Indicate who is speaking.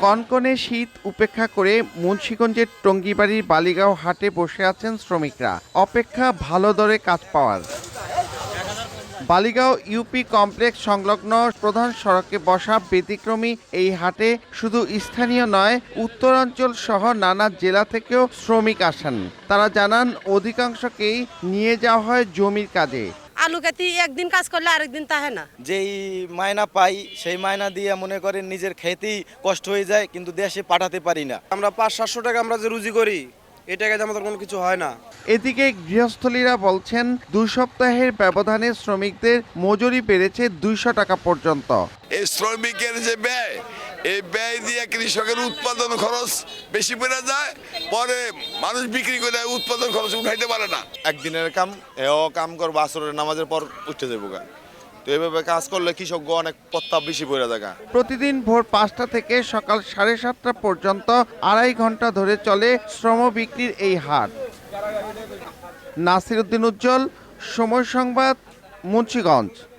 Speaker 1: কনকনে শীত উপেক্ষা করে মুন্সিগঞ্জের টঙ্গীবাড়ির বালিগাঁও হাটে বসে আছেন শ্রমিকরা, অপেক্ষা ভালো দরে কাজ পাওয়ার। বালিগাঁও ইউপি কমপ্লেক্স সংলগ্ন প্রধান সড়কে বসা ব্যতিক্রমী এই হাটে শুধু স্থানীয় নয়, উত্তরাঞ্চল সহ নানা জেলা থেকেও শ্রমিক আসেন। তারা জানান, অধিকাংশকেই নিয়ে যাওয়া হয় জমির কাজে।
Speaker 2: আলু খেতে একদিন কাজ করলে আরেকদিন তাহে না।
Speaker 3: যেই মায়না পাই সেই মায়না দিয়ে মনে করেন নিজের খেতেই কষ্ট হয়ে যায়, কিন্তু দেশে পাঠাতে পারি না।
Speaker 4: আমরা 500-700 টাকা আমরা যে রুজি করি, এই টাকায় আমাদের কোনো কিছু হয় না।
Speaker 1: এদিকে গৃহস্থলীরা বলছেন, 2 সপ্তাহের ব্যবধানে শ্রমিকদের মজুরি বেড়েছে 200 টাকা পর্যন্ত।
Speaker 5: এই শ্রমিকের যে ব্যয়, এই ব্যয় দিয়ে কৃষকের উৎপাদন খরচ বেশি পড়ে যায়, পরে মানুষ বিক্রি করে উৎপাদন খরচ উঠাইতে পারে না।
Speaker 6: একদিনের কাম এও কাম করবো, আসরের নামাজের পর উঠতে যাবো। তো এইভাবে কাজ করলে কৃষক অনেক প্রত্যাপ বেশি পড়ে থাকে।
Speaker 1: প্রতিদিন ভোর 5টা থেকে সকাল 7:30 পর্যন্ত 2.5 ঘন্টা ধরে চলে শ্রম বিক্রির এই হাট। নাসির উদ্দিন উজ্জ্বল, সময় সংবাদ, মুন্সিগঞ্জ।